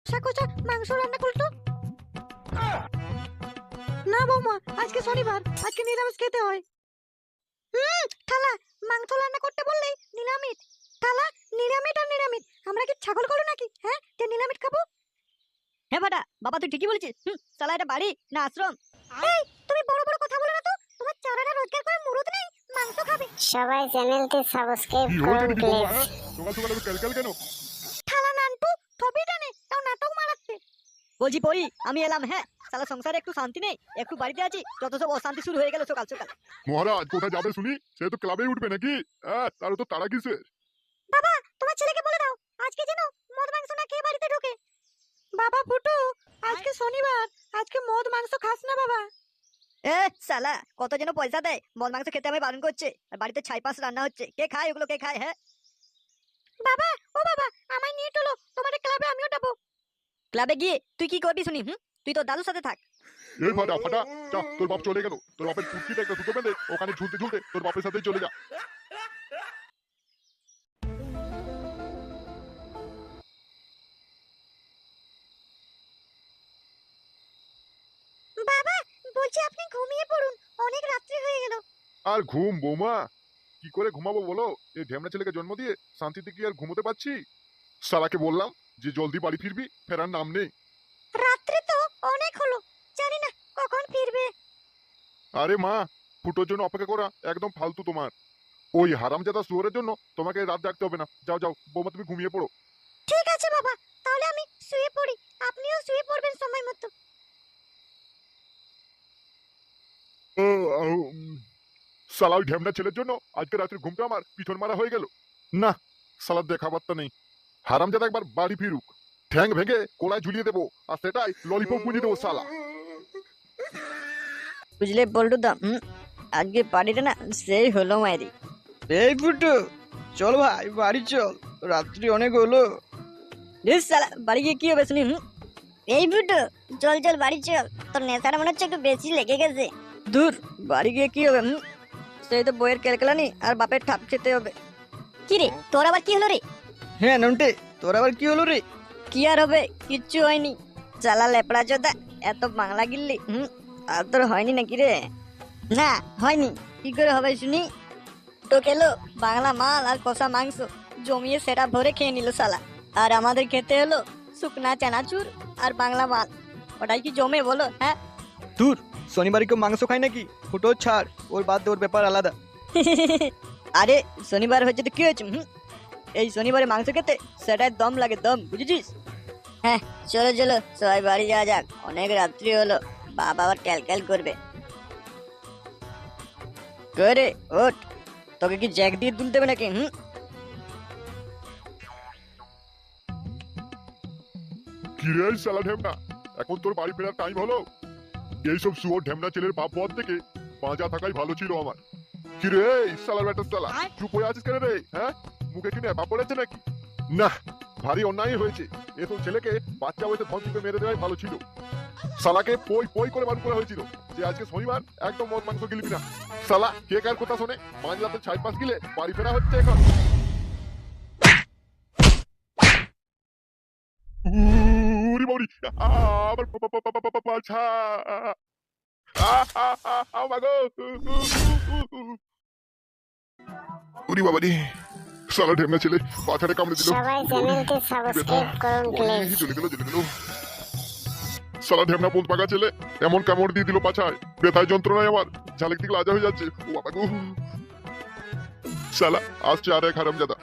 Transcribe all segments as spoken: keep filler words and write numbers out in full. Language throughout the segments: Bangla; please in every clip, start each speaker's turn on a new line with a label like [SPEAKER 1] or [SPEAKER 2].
[SPEAKER 1] কষা কষা মাংস রান্না করতো। না বৌমা, আজকে শনিবার, আজকে নিরামিষ খেতে হয়। হুম থালা, মাংস রান্না করতে বললেই নিরামিষ। থালা, নিরামিষ আর নিরামিষ, আমরা কি ছাগল করো নাকি হ্যাঁ যে নিরামিষ খাবো?
[SPEAKER 2] হ্যাঁ ফাটা, বাবা তুই ঠিকই বলেছিস। হুম, শালা এটা বাড়ি না আশ্রম?
[SPEAKER 1] এই তুমি বড় বড় কথা বলো না তো, তোমার চারাটা রোজগার করে মুরুদ নেই, মাংস খাবে।
[SPEAKER 3] সবাই চ্যানেলটি সাবস্ক্রাইব
[SPEAKER 4] কি
[SPEAKER 3] করুন
[SPEAKER 4] হয়েছে নাকি বৌমা?
[SPEAKER 3] প্লিজ।
[SPEAKER 4] হ্যাঁ, সকাল সকাল এত ক্যালক্যাল কেন?
[SPEAKER 1] থালা নানটু থবি টানে তাও নাটক মারাচ্ছে।
[SPEAKER 2] বলছি পড়ি আমি এলাম। হ্যাঁ, শালা সংসারে একটু শান্তি নেই, একটু বাড়িতে আছি, যত সব অশান্তি শুরু হয়ে গেল সকাল সকাল।
[SPEAKER 4] মহারাজ কোথায় যাবে শুনি? সে তো ক্লাবেই উঠবে নাকি? হ্যাঁ, তার তো তারা কিসের?
[SPEAKER 1] বাবা, তোমার ছেলেকে বলে দাও আজকে যেন মদ মাংস না খেয়ে বাড়িতে ঢোকে। বাবা ফুটু, আজকে শনিবার, আজকে মদ মাংস খাস না বাবা।
[SPEAKER 2] এ শালা কত যেন পয়সা দেয়, মদ মাংস খেতে আমি বারণ করছে, আর বাড়িতে ছাই পাঁচ রান্না হচ্ছে, কে খায় ওগুলো, কে খায়? হ্যাঁ
[SPEAKER 1] বাবা, ও বাবা, আমায় নিয়ে চলো তোমাদের ক্লাবে, আমিও যাবো।
[SPEAKER 2] ক্লাবে গিয়ে তুই কি করবি শুনি? হুম, তুই তো দাদুর সাথে থাক।
[SPEAKER 4] এই ফাটা ফাটা, যা, তোর বাপ চলে গেল। তোর বাপের কুর্তিটা একটা দুটো বেঁধে ওখানে ঝুলতে ঝুলতে তোর বাপের সাথেই চলে যা।
[SPEAKER 1] বাবা, বলছি আপনি ঘুমিয়ে পড়ুন, অনেক রাত্রি হয়ে গেল।
[SPEAKER 4] আর ঘুম বৌমা? কি করে ঘুমাবো বলো? এই ঢেমনা ছেলেকে জন্ম দিয়ে শান্তিতে কি আর ঘুমোতে পারছি? সারাকে বললাম যে জলদি বাড়ি ফিরবি, ফেরার নাম নেই।
[SPEAKER 1] রাত্রি তো অনেক হলো, জানি না কখন ফিরবে।
[SPEAKER 4] আরে মা, ফুটোর জন্য অপেক্ষা করা একদম ফালতু তোমার। ওই হারামজাদা শুয়োরের জন্য তোমাকে রাত জাগতে হবে না। যাও যাও বৌমা, তুমি ঘুমিয়ে পড়ো।
[SPEAKER 1] ঠিক আছে বাবা, তাহলে আমি শুয়ে পড়ি, আপনিও শুয়ে পড়বেন সময় মতো।
[SPEAKER 4] ও, আউ, উম, শালা ওই ঢেমনা ছেলের জন্য আজকে রাত্রে ঘুমটা আমার পিছন মারা হয়ে গেল। না, শালার দেখা বার্তা নেই। হারামজাদা একবার বাড়ি ফিরুক, ঠ্যাং ভেঙে কোলায় ঝুলিয়ে দেবো, আর সেটাই ললিপপ বুঝিয়ে দেবো শালা।
[SPEAKER 2] বুঝলে বল্টু দা, হুম, আজকে পার্টিটা না সেই হলো মায়েরি।
[SPEAKER 5] এই ফুটু, চল ভাই বাড়ি চল, রাত্রি অনেক হলো।
[SPEAKER 2] ধুস শালা, বাড়ি গিয়ে কি হবে শুনি? হুম,
[SPEAKER 3] এই ফুটো, চল চল বাড়ি চল, তোর নেশাটা মনে হচ্ছে একটু বেশি লেগে গেছে।
[SPEAKER 2] দূর, বাড়ি গিয়ে কি হবে? হুম, সেই তো বইয়ের কেলকেলানি আর বাপের ঠাপ খেতে হবে।
[SPEAKER 3] কি রে, তোর আবার কি হলো রে?
[SPEAKER 5] হ্যাঁ নন্টে, তোর আবার কি হলো রে?
[SPEAKER 2] কি আর হবে, কিচ্ছু হয়নি। চালা লেপড়া চোদা, এত বাংলা গিল্লি, হুম, আর তোর হয়নি নাকি রে? না হয়নি, কি করে হবে শুনি? তো খেলো বাংলা মাল আর কষা মাংস, জমিয়ে সেটা ভরে খেয়ে নিল শালা। আর আমাদের খেতে হলো শুকনা চানাচুর আর বাংলা মাল। ওটাই কি জমে বলো? হ্যাঁ
[SPEAKER 5] দূর, শনিবারে কেউ মাংস খায় নাকি? ফুটো ছাড়, ওর বাদ দে, ওর ব্যাপার আলাদা।
[SPEAKER 2] আরে শনিবার হচ্ছে তো কি হয়েছে? হুম, এই শনিবারে মাংস খেতে সেটাই দম লাগে, দম, বুঝেছিস? হ্যাঁ চলো চলো সবাই বাড়ি যাওয়া যাক, অনেক রাত্রি হলো, বাবা আবার ক্যালক্যাল করবে। করে ওঠ, তোকে কি জ্যাক দিয়ে তুলতে হবে নাকি? হুম,
[SPEAKER 4] কি রে শালা ঢেমনা, এখন তোর বাড়ি ফেরার টাইম হলো? এইসব শুয়োর ঢেমনা ছেলের বাপ বদ থেকে বাঁচা থাকাই ভালো ছিল আমার। কি রে শালার ব্যাটার শালা, চুপ হয়ে আছিস কেন রে? হ্যাঁ, মুখে কি নেবা পড়েছে নাকি? না, ভারী অন্যায় হয়েছে। এসব ছেলেকে বাচ্চা বয়সে ধন টিপে মেরে দেওয়াই ভালো ছিল। শালাকে পই পই করে বারণ করা হয়েছিল যে আজকে শনিবার একদম মদ মাংস গিলবি না। শালা কে কার কথা শোনে? মাঝ রাতে ছাই পাঁচ গিলে বাড়ি ফেরা হচ্ছে এখন। উরি বাউরি, আমার পাছা, আমাগো উরি বাবারি, শালা ঢেমনা ছেলে পাছাড়ে কামড়ে দিল।
[SPEAKER 3] সবাই চ্যানেলটি সাবস্ক্রাইব করুন প্লিজ।
[SPEAKER 4] জ্বলে গেল জ্বলে গেল। শালা ঢেমনা পোত পাকা ছেলে এমন কামড় দিয়ে দিল পাছায়, ব্যথায় যন্ত্রণায় আমার ঝালেক দিকে লাজা হয়ে যাচ্ছে। ও বাবা গো, শালা আসছে আর এক হারামজাদা।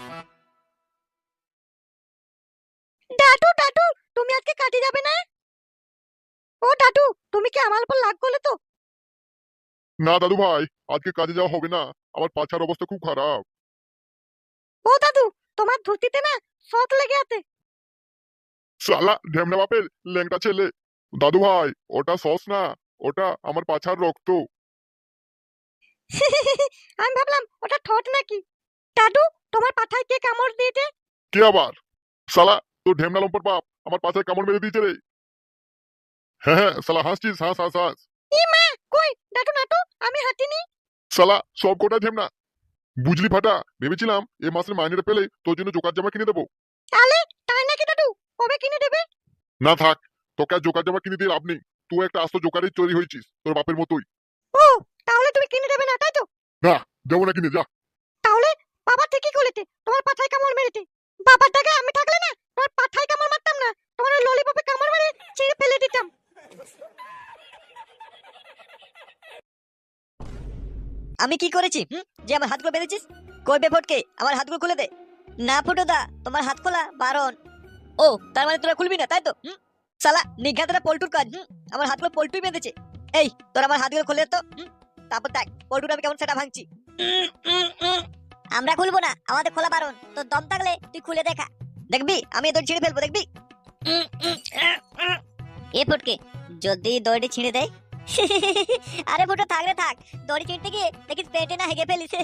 [SPEAKER 1] ডাটু ডাটু, তুমি আজকে কাজে যাবে না? ও ডাটু, তুমি কি আমার উপর রাগ করলে তো?
[SPEAKER 4] না দাদু ভাই, আজকে কাজে যাওয়া হবে না, আমার পাছার অবস্থা খুব খারাপ।
[SPEAKER 1] ও দাদু, তোমার ধুতিতে না শখ লেগে আছে।
[SPEAKER 4] শালা ঢেমনা বাপের ল্যাংটা ছেলে। দাদু ভাই, ওটা সস না, ওটা আমার পাছার রক্ত।
[SPEAKER 1] আমি ভাবলাম ওটা ঠোঁট নাকি। দাদু, তোমার পাঠায় কে কামড় দিয়েছে?
[SPEAKER 4] কে আবার? শালা তোর ঢেমনা লম্পট বাপ আমার পাছায় কামড় মেরে দিয়েছে রে। হ্যাঁ হ্যাঁ, শালা হাসছিস, হাস হাস হাস।
[SPEAKER 1] ই মা, কই ডাটু নাটু, আমি হাঁটিনি।
[SPEAKER 4] শালা সব কোটা ঢেমনা। বুঝলি ফাটা, ভেবেছিলাম এ মাসের মাইনেটা পেলে তোর জন্য জোকার জামা কিনে দেবো।
[SPEAKER 1] আলে, তাই নাকি দাদু? কবে কিনে দেবে?
[SPEAKER 4] না থাক, তোকে আর জোকার জামা কিনে দিয়ে লাভ নেই। তুই একটা আস্ত জোকারের চুরি হয়েছিস, তোর বাপের মতোই।
[SPEAKER 1] ও, তাহলে তুমি কিনে দেবে না তাই তো?
[SPEAKER 4] না, যাবো না কিনে, যা।
[SPEAKER 1] তাহলে বাবা ঠিকই করেছে, তোমার পাছায় কামড় মেরেছে। বাবার জায়গায় আমি থাকলে না তোমার পাছায় কামড় মারতাম না, তোমার ওই ললিপপে কামড় মেরে ছিঁড়ে ফেলে দিতাম।
[SPEAKER 2] আমি কি করেছি হুম, যে আমার হাতগুলো বেঁধেছিস? কই বে ফটকে, আমার হাতগুলো খুলে দে। না ফুটোদা, তোমার হাত খোলা বারণ। ও, তার মানে তোরা খুলবি না তাই তো? হুম, শালা নিঘাতটা পল্টুর কাজ। হুম, আমার হাতগুলো পল্টুই বেঁধেছে। এই, তোরা আমার হাতগুলো খুলে দে তো। হুম, তারপর দেখ পল্টুর আমি কেমন সেটা ভাঙছি। উম, উম, উম।
[SPEAKER 3] আমরা খুলবো না, আমাদের খোলা বারণ। তোর দম থাকলে তুই খুলে দেখা।
[SPEAKER 2] দেখবি আমি তোর ছিঁড়ে ফেলবো, দেখবি। উম, উম, আহ, আহ।
[SPEAKER 3] এ ফটকে, যদি দড়িটি ছিঁড়ে দেয়? আরে ফুটো থাক রে থাক, দড়ি ছিঁড়তে গিয়ে দেখিস পেটে না হেগে ফেলিস।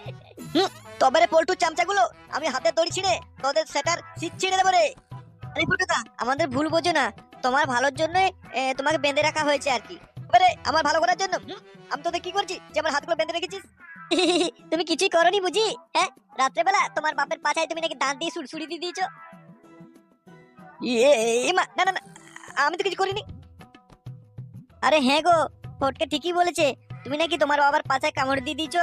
[SPEAKER 2] তবে রে পল্টুর চামচাগুলো, আমি হাতে দড়ি ছিঁড়ে তোদের সেটার সিট ছিঁড়ে দেবো রে। আরে ফুটুদা, আমাদের ভুল বোঝো না, তোমার ভালোর জন্য তোমাকে বেঁধে রাখা হয়েছে আর কি। এবারে আমার ভালো করার জন্য হুম, আমি তোদের কি করছি যে আমার হাতগুলো বেঁধে রেখেছিস?
[SPEAKER 3] তুমি কিছুই করনি বুঝি? হ্যাঁ, রাত্রেবেলা তোমার বাপের পাছায় তুমি নাকি দাঁত দিয়ে সুড়সুড়ি দিয়ে দিয়েছো।
[SPEAKER 2] ইয়ে, এ মা, না না না, আমি তো কিছু করিনি।
[SPEAKER 3] আরে হ্যাঁ গো, ফটকে ঠিকই বলেছে, তুমি নাকি তোমার বাবার পাছায় কামড় দিয়ে দিয়েছো।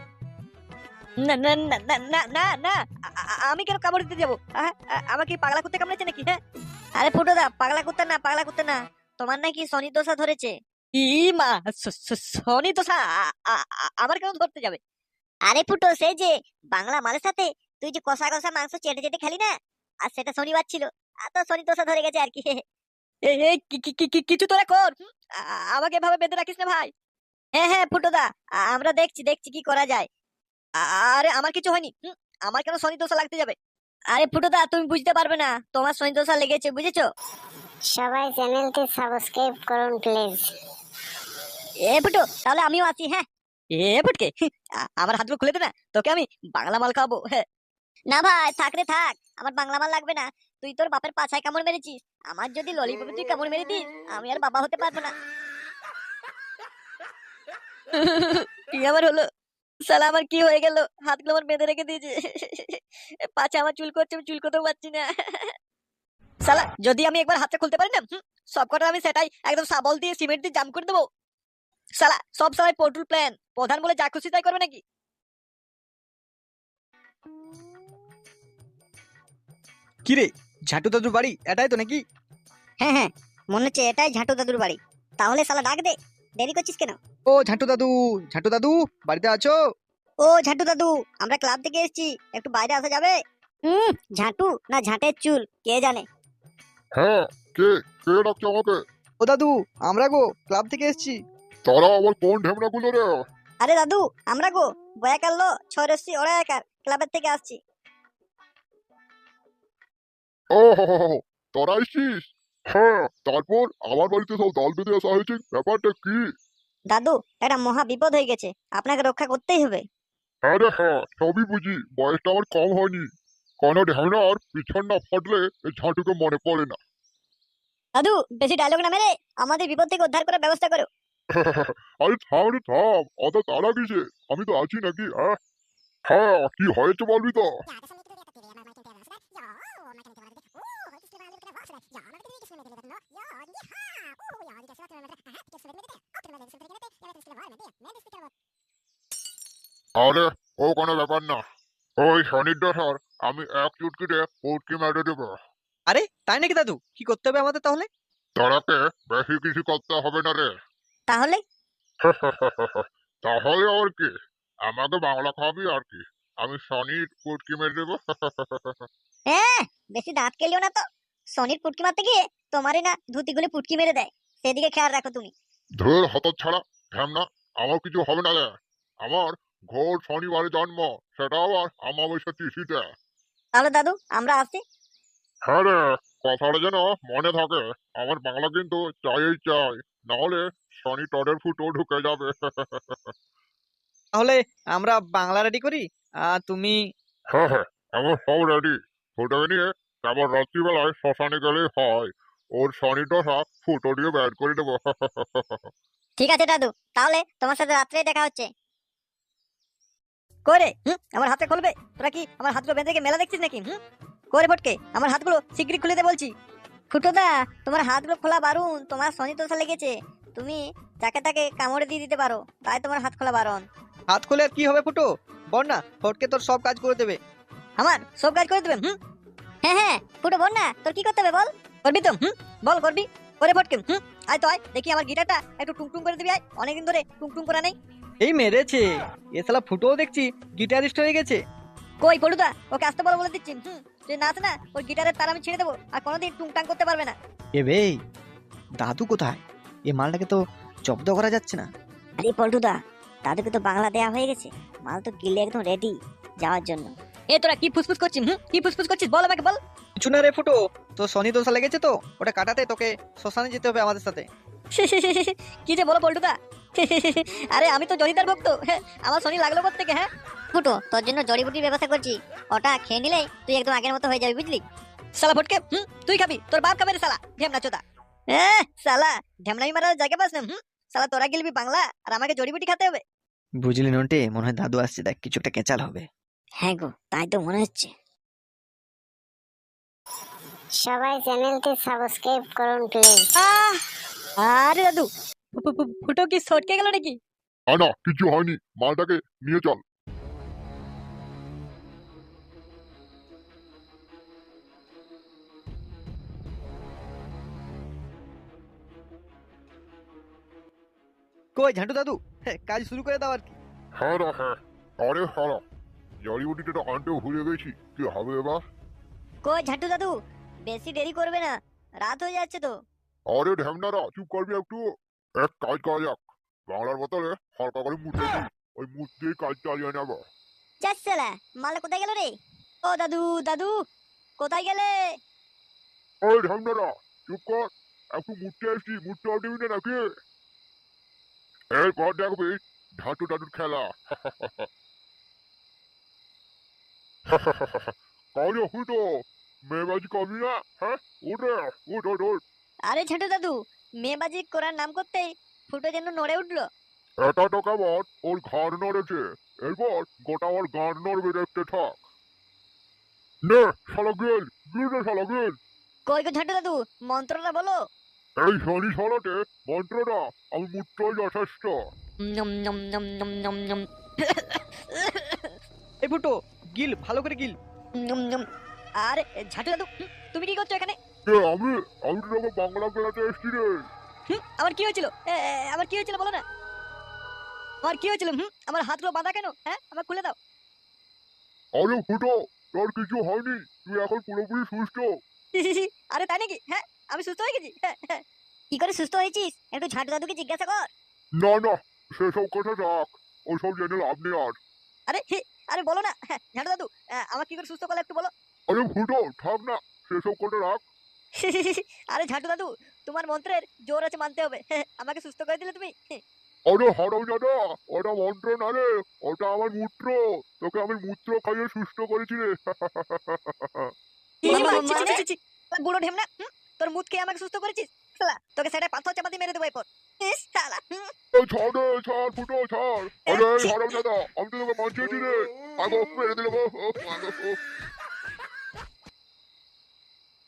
[SPEAKER 2] না না না না না না না, আ- আ- আমি কেন কামড় দিতে যাবো? আ- আ- আমাকে কি পাগলা কুত্তে কামড়েছে নাকি? হ্যাঁ,
[SPEAKER 3] আরে ফুটোদা, পাগলা কুত্তা না, পাগলা কুত্তা না, তোমার নাকি শনি দোষা ধরেছে।
[SPEAKER 2] ই মা, স- স- শনি তো সা- আ- আ- আ- আমার কেন ধরতে যাবে?
[SPEAKER 3] আরে ফুটো, সেই যে বাংলা মালের সাথে তুই যে কষা কষা মাংস চেটে চেটে খেলি না, আর সেটা শনিবার ছিল, আর তো শনি দোষা ধরে গেছে আর কি।
[SPEAKER 2] এ এ, কি- কি- কি- কি- কিছু তোরা কর। হুম, আ- আ- আমাকে এভাবে বেঁধে রাখিস না ভাই।
[SPEAKER 3] হ্যাঁ হ্যাঁ ফুটোদা, আ- আমরা দেখছি দেখছি কি করা যায়।
[SPEAKER 2] আ- আরে আমার কিছু হয়নি। হুম, আমার কেন শনি দোষা লাগতে যাবে?
[SPEAKER 3] আরে ফুটোদা, তুমি বুঝতে পারবে না, তোমার শনি দোষা লেগেছে, বুঝেছো?
[SPEAKER 6] সবাই চ্যানেলটি সাবস্ক্রাইব করুন প্লিজ।
[SPEAKER 3] এ ফুটো, তাহলে আমিও আছি। হ্যাঁ,
[SPEAKER 2] এ ফুটকে, আ- আমার হাতগুলো খুলে দে না, তোকে আমি বাংলা মাল খাবো। হ্যাঁ,
[SPEAKER 3] না ভাই, থাক রে থাক, আমার বাংলা মাল লাগবে না। তুই তোর বাপের পাছায় কামড় মেরেছিস, আমার যদি ললিপপে তুই কামড় মেরে দিস, আমি আর বাবা হতে পারবো না।
[SPEAKER 2] কি আমার হলো? শালা আমার কি হয়ে গেল? হাতগুলো আমার বেঁধে রেখে দিয়েছে। পাছে আমার চুল করছে, আমি চুল করতেও পারছি না। শালা যদি আমি একবার হাতটা খুলতে পারি না, হুম, সব কটা আমি সেটাই একদম সাবল দিয়ে সিমেন্ট দিয়ে জাম করে দেবো। শালা সব সময় পটুল প্ল্যান, প্রধান বলে যা খুশি তাই করবে নাকি?
[SPEAKER 5] কি রে, ঝাটু দাদুর বাড়ি এটাই তো নাকি?
[SPEAKER 3] হ্যাঁ হ্যাঁ, মনে হচ্ছে এটাই ঝাঁটু দাদুর বাড়ি। তাহলে শালা ডাক দে, দেরি করছিস কেন?
[SPEAKER 5] ও ঝাটু দাদু, ঝাটু দাদু বাড়িতে আছো?
[SPEAKER 3] ও ঝাঁটু দাদু, আমরা ক্লাব থেকে এসেছি, একটু বাইরে আসা যাবে? হুম, ঝাঁটু না ঝাঁটের চুল কে জানে।
[SPEAKER 4] হ্যাঁ, কে কে ডাকছে আমাকে?
[SPEAKER 5] ও দাদু, আমরা গো ক্লাব থেকে এসেছি।
[SPEAKER 4] তারা আবার কোন ঢেমনা গুলো রে?
[SPEAKER 3] আরে দাদু, আমরা গো বয়াকার লো ছয়রশ্রী ওরা একার ক্লাবের থেকে আসছি।
[SPEAKER 4] ও হো হো হো, তোরা এসছিস? হ্যাঁ, তারপর আমার বাড়িতে সব দল বেঁধে আসা হয়েছে, ব্যাপারটা কি?
[SPEAKER 3] দাদু, একটা মহা বিপদ হয়ে গেছে, আপনাকে রক্ষা করতেই হবে।
[SPEAKER 4] হ্যাঁ রে হ্যাঁ, সবই বুঝি, বয়সটা আমার কম হয়নি। কোনো ঢেমনার পিছন না ফাটলে এই ঝাঁটুকে মনে পড়ে না।
[SPEAKER 3] দাদু, বেশি ডায়লগ না মেরে আমাদের বিপদ থেকে উদ্ধার করার ব্যবস্থা করো।
[SPEAKER 4] আরে থাম রে থাম, অত তাড়া কিসে? আমি তো আছি নাকি? হ্যাঁ হ্যাঁ, কি হয়েছে বলবি তো? আরে ও কোনো ব্যাপার না, ওই শনির দশার আমি এক চুটকিতে উটকি মেরে দেবো।
[SPEAKER 5] আরে তাই নাকি দাদু? কি করতে হবে আমাদের তাহলে?
[SPEAKER 4] তারাকে বেশি কিছু করতে হবে না রে।
[SPEAKER 3] তাহলে
[SPEAKER 4] তাহলে আর কি, আমাকে বাংলা খাবি আর কি, আমি শনির উটকি মেরে দেবো।
[SPEAKER 3] হ্যাঁ, বেশি দাঁত কেলিও না তো, সনির পুটকি মারতে গিয়ে তোমারই না ধুতিগুলি পুটকি মেরে দেয়, সেদিকে খেয়াল রাখো তুমি।
[SPEAKER 4] ধর হত ছাড়া ঢ্যামনা, আমার কিছু হবে না রে। আমার ঘোর শনিবারে জন্ম, সেটা আবার আমাবস্যা তিথিতে।
[SPEAKER 3] তাহলে দাদু, আমরা আসছি।
[SPEAKER 4] হ্যাঁ রে, কথাটা যেন মনে থাকে, আমার বাংলা কিন্তু চাই চাই, নাহলে শনি টডের ফুটো ঢুকে যাবে।
[SPEAKER 5] তাহলে আমরা বাংলা রেডি করি, আর তুমি?
[SPEAKER 4] হ্যাঁ হ্যাঁ, আমার সব রেডি। ফুটোকে নিয়ে কেবল রাত্রিবেলায় শ্মশানে গেলেই হয়, ওর শনি দশা ফুটো দিয়ে বের করে দেবো।
[SPEAKER 3] ঠিক আছে দাদু, তাহলে তোমার সাথে রাত্রে দেখা হচ্ছে।
[SPEAKER 2] করে হুম, আমার হাতে খুলবে? তোরা কি আমার হাতগুলো বেঁধে রেখে মেলা দেখছিস নাকি? হুম, করে ফটকে আমার হাতগুলো শিগগিরই খুলে দে বলছি। ফুটোদা তোমার হাতগুলো খোলা বারণ, তোমার শনি দোষা লেগেছে, তুমি যাকে তাকে কামড়ে দিয়ে দিতে পারো, তাই তোমার হাত খোলা বারণ।
[SPEAKER 5] হাত খুলে আর কি হবে ফুটো, বল না, ফটকে তোর সব কাজ করে দেবে।
[SPEAKER 2] আমার সব কাজ করে দেবে? হুম
[SPEAKER 3] হ্যাঁ হ্যাঁ ফুটো বল না, তোর কি করতে হবে বল।
[SPEAKER 2] করবি তো? হুম বল করবি। করে ফটকে হুম আয় তো আয়, দেখি আমার গিটারটা একটু টুংটুং করে দিবি। আয়, অনেকদিন ধরে টুংটুং করা নেই।
[SPEAKER 5] এই মেরেছে, এ শালা ফুটোও দেখছি গিটারিস্ট হয়ে গেছে।
[SPEAKER 2] কই পড়ুদা, ওকে আসতে বলো বলে দিচ্ছি। হুম তুই নাচ না, ওই গিটারের তার আমি ছেড়ে দেবো, আর কোনোদিন টুংটাং করতে পারবে না।
[SPEAKER 5] এ বে, দাদু কোথায়? এ মালটাকে তো জব্দ করা যাচ্ছে না।
[SPEAKER 3] আরে পল্টুদা, দাদুকে তো বাংলা দেয়া হয়ে গেছে, মাল তো গিলে একদম রেডি যাওয়ার জন্য।
[SPEAKER 2] এ তোরা কি ফুসফুস করছিস? হুম কি ফুসফুস করছিস বল আমাকে বল।
[SPEAKER 5] কিছু না রে ফুটো, তো শনি দোষা লেগেছে তো ওটা কাটাতে তোকে শ্মশানে যেতে হবে আমাদের সাথে।
[SPEAKER 2] কি যে বলো পল্টুদা। আরে আমি তো জরিদার ভক্ত, হ্যাঁ, আমার শনি লাগলো কোত্থেকে? হ্যাঁ
[SPEAKER 3] ফুটো তোর জন্য জড়িবুটির ব্যবস্থা করছি, ওটা খেয়ে নিলেই তুই একদম আগের মতো হয়ে যাবি বুঝলি।
[SPEAKER 2] শালা ফটকে, হুম তুই খাবি, তোর বাপ খাবে রে শালা ঢেমনা চোদা। এ শালা ঢেমনামি মারার জায়গা পাস না। হুম শালা তোরা গেলবি বাংলা আর আমাকে জড়িবুটি খেতে হবে।
[SPEAKER 5] বুঝলি নন্টে, মনে হয় দাদু আসছে, দেখ কিছু একটা কেচাল হবে।
[SPEAKER 3] হ্যাঁ গো, তাই তো মনে হচ্ছে।
[SPEAKER 6] সবাই চ্যানেলটি সাবস্ক্রাইব করুন প্লিজ।
[SPEAKER 2] আহ আরে দাদু, ফু- ফু- ফু- ফুটো কি সটকে গেল নাকি?
[SPEAKER 4] না না, কিছু হয়নি, মালটাকে নিয়ে চল।
[SPEAKER 5] কই ঝান্টু দাদু, হ্যাঁ, কাজ শুরু করে দাও আর কি।
[SPEAKER 4] হ্যাঁ রা হ্যাঁ, আরে হারা, জড়িবুটিটা আনতেও ভুলে গেছি, কি হবে এবার?
[SPEAKER 3] কই ঝাটু দাদু, বেশি দেরি করবে না, রাত হয়ে যাচ্ছে তো।
[SPEAKER 4] আরে ঢ্যামনারা, চুপ করবি একটু। এক কাজ করা যাক, বাংলার বদলে হালকা করে মুখ দেখি, ওই মুখ দিয়ে কাজ চালিয়ে নেবো।
[SPEAKER 3] চাচ্ছেলা মালা কোথায় গেল রে?
[SPEAKER 2] ও দাদু দাদু কোথায় গেলে?
[SPEAKER 4] ওই ঢ্যামনারা, চুপ কর, একটু মুখতে এসছি, মুখতে দিবি না নাকি? এরপর দেখবি ঢাটু টাটুর খেলা। কাজে হুটো, মেয়েবাজি কবি না, হ্যাঁ? উঠে, উঠ উঠ উঠ।
[SPEAKER 2] আরে ঝাঁটু দাদু, মেয়েবাজি করার নাম করতেই ফুটো যেন নড়ে উঠলো।
[SPEAKER 4] এটা তো কেমন ওর ঘাড় নড়েছে, এরপর গোটা ওর গান নড়বে দেখতে থাক। নে শালা গেল, গিল রে শালা গেল।
[SPEAKER 2] কই গো ঝাঁটু দাদু, মন্ত্রটা বলো।
[SPEAKER 4] এই শনি শালাতে মন্ত্রটা আমি মুত্রই যথেষ্ট।
[SPEAKER 2] নম নম নম নম নম নম
[SPEAKER 5] এই ফুটো, গিল ভালো করে গিল।
[SPEAKER 2] নম নম। আরে ঝাঁটু দাদু, হুম, তুমি কি করছো এখানে?
[SPEAKER 4] এ আমি আমি তো তোকে বাংলা বেড়াতে এসছি রে।
[SPEAKER 2] হুম আমার কি হয়েছিল? এ, এ, আমার কি হয়েছিল বলো না। আমার কি হয়েছিল? হুম আমার হাতগুলো বাঁধা কেন? হ্যাঁ আমার খুলে দাও।
[SPEAKER 4] আরে ফুটো, তোর কিছু হয়নি, তুই এখন পুরোপুরি সুস্থ।
[SPEAKER 2] আরে তাই নাকি? হ্যাঁ আমি সুস্থ হয়ে গেছি। হ্যাঁ, হ্যাঁ।
[SPEAKER 3] কি করে সুস্থ হয়েছিস একটু ঝাটু দাদুকে জিজ্ঞাসা কর।
[SPEAKER 4] না না, সেসব কথা রাখ, ওসব জেনে লাভ নেই আর।
[SPEAKER 2] আরে হি, আরে বলো না। হ্যাঁ ঝাঁটু দাদু, আহ, আমার কি করে সুস্থ করলে একটু বলো।
[SPEAKER 4] আরে ফুটো থাক না, সেসব কথা রাখ।
[SPEAKER 2] আরে ঝাঁটু দাদু, তোমার মন্ত্রের জোর আছে মানতে হবে। হ্যাঁ, আমাকে সুস্থ করে দিলে তুমি।
[SPEAKER 4] আরে হারাম দাদা, ওটা মন্ত্র না রে, ওটা আমার মূত্র, তোকে আমি মূত্র খাইয়ে সুস্থ করেছি রে।
[SPEAKER 2] মামা, ছি, ছি, ছি, ছি, ছি। শালা বুড়ো ঢেমনা, হুম, তোর মুখ খেয়ে আমাকে সুস্থ করেছিস। শালা তোকে সেটা পাথর চাপা দিয়ে মেরে দেবো এরপর। ইস, শালা, হুম।
[SPEAKER 4] এই ছাড় রে, ছাড় ফুটো ছাড়। আরে হারাম দাদা, আমি তো তোকে বাঁচিয়েছি রে, আগো মেরে দিল গো।